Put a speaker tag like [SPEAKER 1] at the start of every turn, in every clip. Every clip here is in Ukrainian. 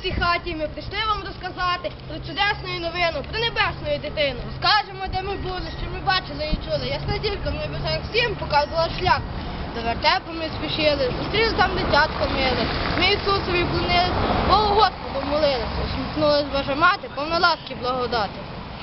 [SPEAKER 1] цій хаті ми прийшли вам розказати про чудесну новину, про небесну дитину. Розкажемо, де ми були, що ми бачили і чули. Ясна зірка в небесах всім показувала шлях. До вертепу ми спішили, зустріли там дитятко миле. Ми Ісусові вклонились, Богу Господу молилися. Усміхнулась Божа мати, повна ласки благодати.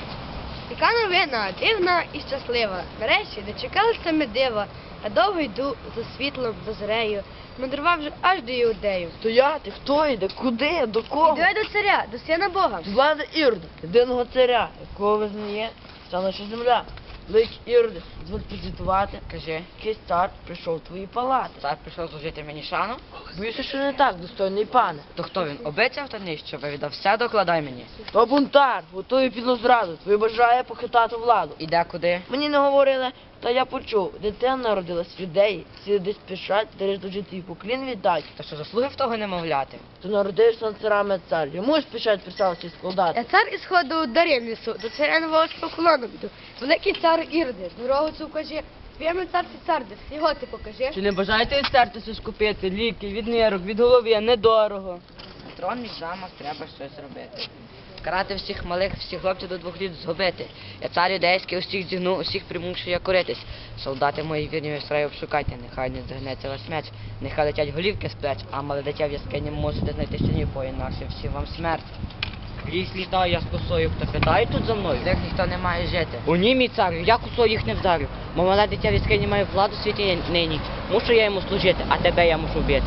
[SPEAKER 1] Яка новина, дивна і щаслива. Нарешті дочекалися ми дива. Я довго йду за світлом, за зорею, мандрував вже аж до Іудею.
[SPEAKER 2] Стояти, хто йде, куди, до кого?
[SPEAKER 1] Іду я до царя, до сина Бога.
[SPEAKER 2] З влади Ірода, єдиного царя, якого визнає вся наша земля. Великий Іроде, дозволь презентувати,
[SPEAKER 3] Кажи,
[SPEAKER 2] який цар прийшов в твої палати.
[SPEAKER 3] цар прийшов служити мені шану?
[SPEAKER 2] Боюся, що не так, достойний пане.
[SPEAKER 3] То хто він? Обіцяв та ні, що вивідав все, докладай мені.
[SPEAKER 2] То бунтар, готує підлу зраду, твій бажає похитати владу.
[SPEAKER 3] Іде куди?
[SPEAKER 2] Мені не говорили, та я почув, дитина народилась в юдеї, всі десь спішать, десь до житті і поклін віддать.
[SPEAKER 3] Та що заслуги в того немовляти?
[SPEAKER 2] То народився над царами цар, йому спішать присавці складати.
[SPEAKER 1] Я цар із ходу дарів несу, до царя нового з поклоном йду. Великий цар Іроде, дорогу цю кажи, твоєму царці цар, де його ти покажи.
[SPEAKER 2] Чи не бажаєте відстертися скупити ліки від нирок, від голови, недорого?
[SPEAKER 3] Трон мій замок, треба щось робити. Карати всіх малих, всіх хлопців до 2 літ згубити. Я цар юдейський, усіх зігну, усіх примушую я коритись. Солдати мої вірні вістраю обшукайте, нехай не згнеться ваш меч, нехай летять голівки з плеч, а мале дитя в яскині можете знайти сині, інакше всім вам смерть. Ліс літаю, я з косою, хто питає тут за мною? Як ніхто не має жити. У ні, мій царю, я косою їх не вдарю. Бо мале дитя в яскині має владу в світі нині. Мушу я йому служити, а тебе я мушу вбити.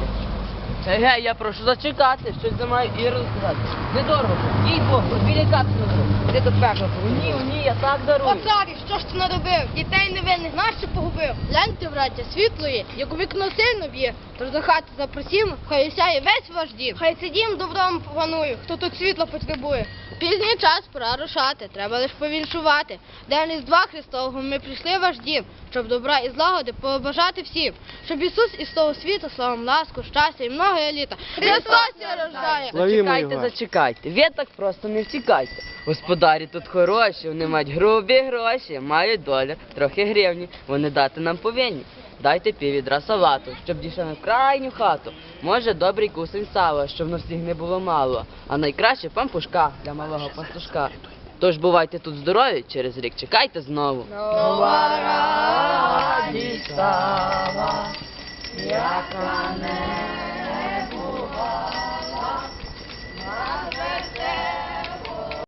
[SPEAKER 2] Гей, я прошу зачекати, щось за маю і розказати. Недорого, їй Бог, біля капсулу. Ти до пекла. Ні, я так дарую.
[SPEAKER 1] О, царю, що ж ти наробив? Дітей невинних нащо погубив? Гляньте, браття, світло є, як у вікно сильно б'є. Тож до хати запросімо, хай осяє весь ваш дім. Хай цей дім добром панує, хто тут світла потребує. Пізній час, пора рушати, треба лиш повіншувати. День Різдва Христового ми прийшли в ваш дім, щоб добра і злагоди побажати всім. Щоб Ісус із того світу, славом, ласку, щастя і многое літа. Христос рождає!
[SPEAKER 2] Зачекайте, зачекайте, ви так просто не втікайте. Господарі тут хороші, вони мають грубі гроші, мають долар, трохи гривні, вони дати нам повинні. Дайте піввідра салату, щоб дійшли на крайню хату. Може, добрий кусень сала, щоб на всіх не було мало. А найкраще пампушка для малого пастушка. Тож бувайте тут здорові, через рік чекайте знову.
[SPEAKER 1] Нова радість стала, яка не